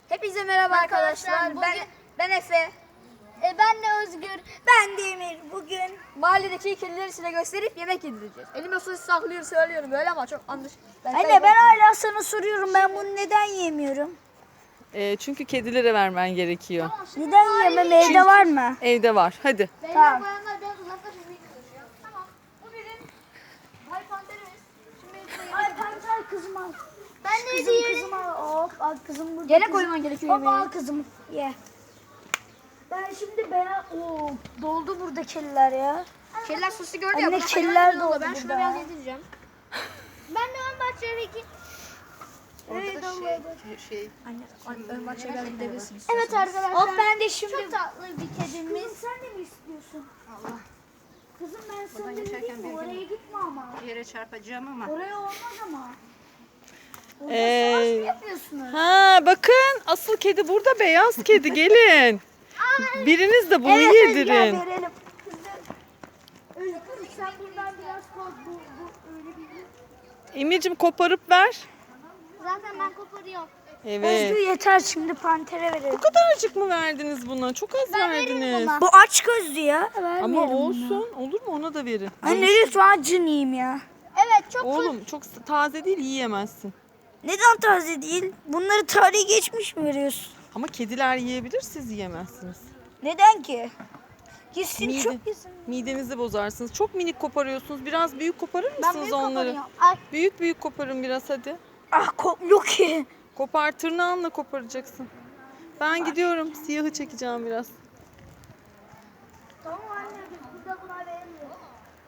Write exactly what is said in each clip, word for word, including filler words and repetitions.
Hepinize merhaba arkadaşlar. Arkadaşlar, Ben bugün- ben Efe. E, ben de Özgür. Ben de Emir. Bugün mahalledeki kedileri size gösterip yemek yedireceğiz. Elime sosis saklıyorum söylüyorum böyle ama çok yanlış. Anne ben hala sana soruyorum, ben bunu neden yemiyorum? Ee, çünkü kedilere vermen gerekiyor. Neden yemem, evde var mı? Evde var. Hadi. Beyler bayanlar biraz uzaklaşın. Çalışıyor. Tamam. Bu bizim Bay Panterimiz. Şimdi Ay panter kızım al. Ben de Kızım diğeri. kızım al. Hop al kızım burada. Yere kızım. koyman gerekiyor Hop yemeği. al kızım ye. Ben şimdi beyaz... Oo, doldu burada kediler ya. kediler sosu gördü Anne, ya. bırak kediler hayvan doldu oldu. Ben şuna burada. biraz yedireceğim. Ben de ön bahçedeki. Evet şey, Anne, anne ön bahçeye biraz gidebilirsiniz. Evet arkadaşlar. Hop ben de şimdi... Çok tatlı bir kedimiz. Kızım sen de mi istiyorsun? Allah. Kızım ben sana Buradan dedim geçerken mi? bir Oraya gitme ama. Yere çarpacağım ama. Oraya olmaz ama. Orada Ee, savaş mı yapıyorsunuz? Ha bakın asıl kedi burada, beyaz kedi, gelin. Biriniz de bunu Evet, yedirin. gel verelim. Kızım. Özgür sen buradan biraz koy. Bu, bu öyle bir... Emir'cim koparıp ver. Zaten ben koparıyorum. Evet. Özgür yeter, şimdi pantere verelim. Bu kadarcık mı verdiniz buna? Çok az verdiniz. Bu aç gözlü ya. Ama Vermeyelim bunu. olsun. Olur mu? Ona da verin. Anne lütfen acınayım ya. Evet çok Oğlum çok s- taze değil, yiyemezsin. Neden taze değil? Bunları tarihi geçmiş mi veriyorsun? Ama kediler yiyebilir, siz yiyemezsiniz. Neden ki? Gitsin Mide, çok yesin. midenizi bozarsınız. Çok minik koparıyorsunuz. Biraz büyük koparır mısınız büyük onları? koparıyorum. Ay. Büyük büyük koparın biraz hadi. Ah kopmuyor ki. Kopar, tırnağınla koparacaksın. Ben gidiyorum. Siyahı çekeceğim biraz. Tamam anne, biz burada buna veremiyoruz.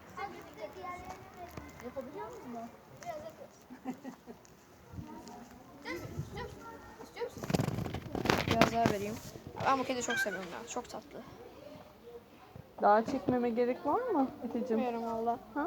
Biraz daha vereyim. Ben bu kediyi çok seviyorum ya. Çok tatlı. Daha çekmeme gerek var mı Efe'cim? Bilmiyorum valla. Ha?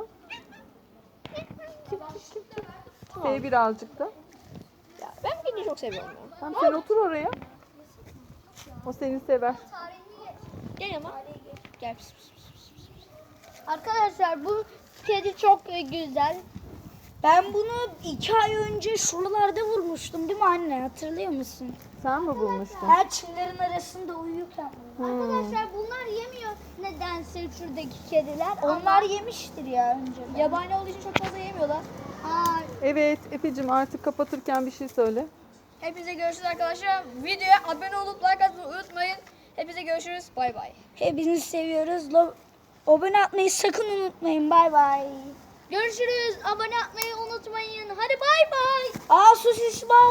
Sev birazcık da. Ya ben bu kediyi çok seviyorum ya. Tamam, sen otur oraya. O seni sever. Gel ama. Gel. Pis, pis, pis, pis, pis. Arkadaşlar bu kedi çok e, güzel. Ben bunu iki ay önce şuralarda vurmuştum değil mi anne? Hatırlıyor musun? Sen mi bulmuştun? Her çimlerin arasında uyurken. Arkadaşlar bunlar yemiyor nedense şuradaki kediler. Onlar yemiştir ya önce. Yabani olduğu için çok fazla yemiyorlar. Aa, Evet Efe'cim, artık kapatırken bir şey söyle. Hepinize görüşürüz arkadaşlar. Videoya abone olup like atmayı unutmayın. Hepinize görüşürüz. Bay bay. Hepinizi seviyoruz. Lo- Abone atmayı sakın unutmayın. Bay bay. görüşürüz. Abone olmayı unutmayın. Hadi bay bay. Aa sosis bal.